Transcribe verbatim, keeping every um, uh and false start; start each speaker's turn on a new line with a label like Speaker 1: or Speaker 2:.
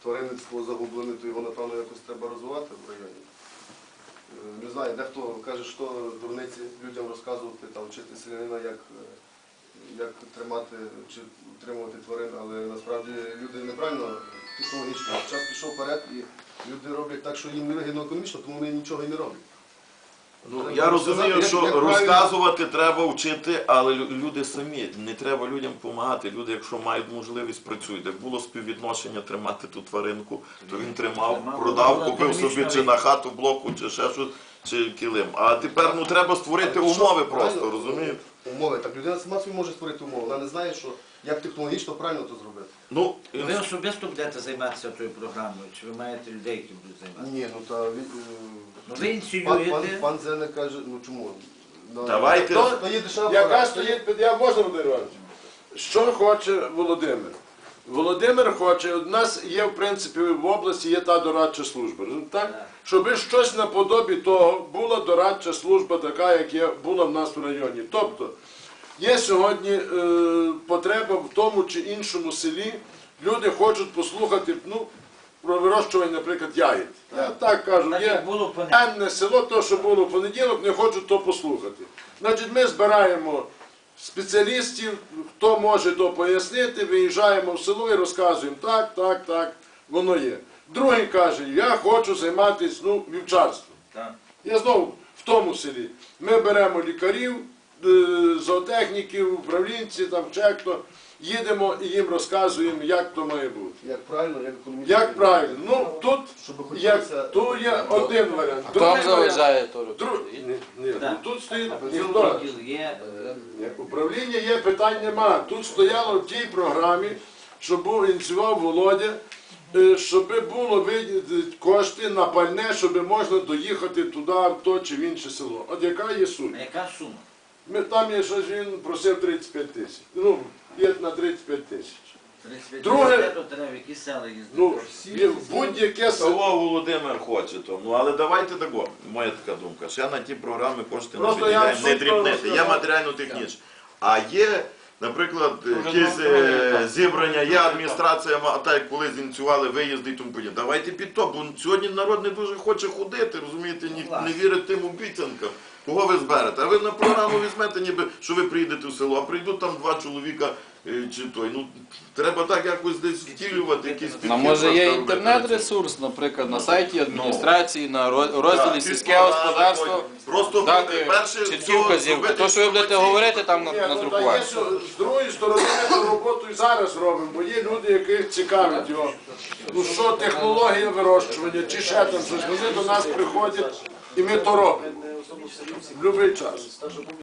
Speaker 1: тваринництво загублене, то його, напевно, якось треба розвивати в районі. Не знаю, дехто каже, що дурниці людям розказувати, там, вчити селянина, як, як тримати чи утримувати тварин, але насправді люди неправильно технологічно. Час пішов вперед і люди роблять так, що їм не вигідно економічно, тому вони нічого і не роблять.
Speaker 2: Ну, я розумію, що як розказувати треба вчити, але люди самі, не треба людям допомагати. Люди, якщо мають можливість, працюють. Як було співвідношення тримати ту тваринку, то він тримав, продав, купив собі чи на хату блоку, чи ще щось, чи килим. А тепер ну, треба створити умови просто, розумієте?
Speaker 1: Умови. Так людина сама собі може створити умови. Вона не знає, що як технологічно правильно то зробити.
Speaker 2: Ну,
Speaker 3: ви особисто будете займатися тою програмою, чи ви маєте людей, які будуть займатися?
Speaker 1: Ні, ну та
Speaker 3: ну, ви ініціюєте.
Speaker 1: Пан, пан, пан Зене каже, ну чому?
Speaker 2: Давайте.
Speaker 1: То, то є дешева
Speaker 4: Яка
Speaker 1: пора.
Speaker 4: стоїть, я можна, Володимир Іванович? Що хоче Володимир? Володимир хоче, у нас є, в принципі, в області є та дорадча служба, так? Щоб щось наподобі того, була дорадча служба така, як є, була в нас в районі. Тобто, є сьогодні е, потреба в тому чи іншому селі, люди хочуть послухати, ну, про вирощування, наприклад, ягід. Я так кажу,
Speaker 3: Так,
Speaker 4: є
Speaker 3: як було в
Speaker 4: енне село, то, що було в понеділок, не хочуть то послухати. Значить, ми збираємо спеціалістів, хто може то пояснити, виїжджаємо в село і розказуємо, так, так, так, воно є. Другий каже, я хочу займатися ну, вівчарством.
Speaker 3: Так.
Speaker 4: Я знову в тому селі. Ми беремо лікарів, зоотехніків, управлінців, там, чек-то, їдемо і їм розказуємо, як то має бути.
Speaker 1: Як правильно, як економічно.
Speaker 4: Як правильно? Ну, тут є,
Speaker 1: хотілося-
Speaker 4: тут є один варіант.
Speaker 5: Хто вам заважає то робити?
Speaker 4: Друг... Ні, ні,
Speaker 3: Так.
Speaker 4: ну, тут стоїть ніхто.
Speaker 3: Відділ є.
Speaker 4: Ні, управління є, питань нема. Тут стояло в тій програмі, що був ініціював Володя, е, щоб було виділити кошти на пальне, щоб можна доїхати туди, в то чи в інше село. От яка є суть?
Speaker 3: А яка сума?
Speaker 4: Ми, там є щось, він просив тридцять п'ять тисяч. Ну, є на тридцять п'ять тисяч. Друге-
Speaker 3: Друге... то треба, в які села їздити?
Speaker 4: Ну, є будь-яке село.
Speaker 2: того Володимир хоче то. Ну, але давайте тако, моя така думка. Ще на ті програми кошти не
Speaker 4: Просто я
Speaker 2: виділяємо, не
Speaker 4: абсолютно
Speaker 2: дрібнити, є
Speaker 4: розказав.
Speaker 2: матеріально-технічні. А є, наприклад,
Speaker 5: Вже
Speaker 2: якісь
Speaker 5: на окремий
Speaker 2: е,
Speaker 5: етап.
Speaker 2: зібрання, є адміністрація, а так як коли зініціювали виїзди і тому подібне. Давайте під то, бо сьогодні народ не дуже хоче ходити, розумієте, ні, не вірить тим обіцянкам. Кого ви зберете? А ви на програму візьмете, ніби, що ви приїдете в село, а прийдуть там два чоловіка е, чи той. Ну, треба так якось десь втілювати, якісь підхід.
Speaker 5: Ну, може є
Speaker 2: просто робити.
Speaker 5: інтернет-ресурс, наприклад, на сайті адміністрації, на роз- розділі
Speaker 2: Так,
Speaker 5: сільське
Speaker 2: підпорядок,
Speaker 5: господарство,
Speaker 2: просто
Speaker 5: дати
Speaker 2: перше
Speaker 5: чіткі
Speaker 2: всього
Speaker 5: вказівки.
Speaker 2: зробити
Speaker 5: То, що ви будете
Speaker 2: інформаційну-
Speaker 5: говорити, там
Speaker 4: Ні, ну, та є,
Speaker 5: надрукувати.
Speaker 4: що з другої сторони ми ту роботу і зараз робимо, бо є люди, яких цікавить його. Ну що, технологія вирощування, чи ще там щось. Вони до нас приходять і ми то робимо. В будь-який час.